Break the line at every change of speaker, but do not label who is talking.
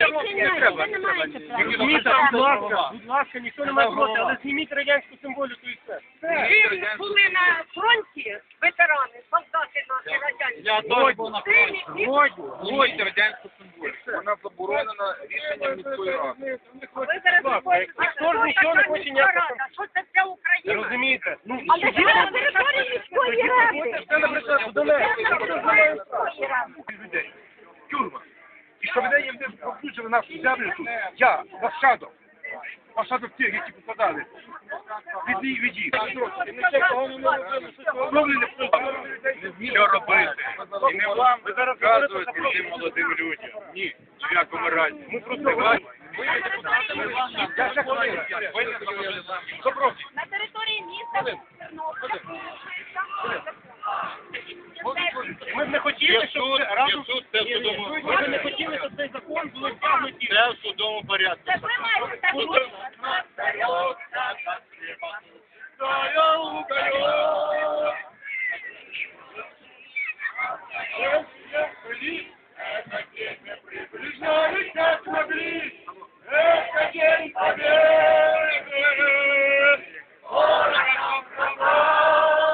Будь ласка, ніхто не має проти, але зніміть радянську символіку і все.
Ви були на фронті, ветерани, солдати наші радянські.
Я теж був на фронті.
Згодні.
Радянську символіку. Вона заборонена рішенням міської ради.
Ви зараз виходите,
Ніхто ж нічого не хоче ніякого.
що це для України?
Розумієте?
Але це на території міської ради.
Це, наприклад,
Це на території міської ради.
людей. Тюрма. І що мене їм включили нашу землю тут. Я, нащадок. Нащадок тих, які попадали. Від їх.
Що робити? І не вам розказувати цим молодим людям. Ні, в якому разі. Ми просто
Я ще хвилину.
На території міста Тернополя.
Ми б не хотіли, щоб разом...
це в судовому
Ми б не хотіли, щоб цей закон було втягнуті.
Це в судовому порядку.
Це ви маєте так
Стоял,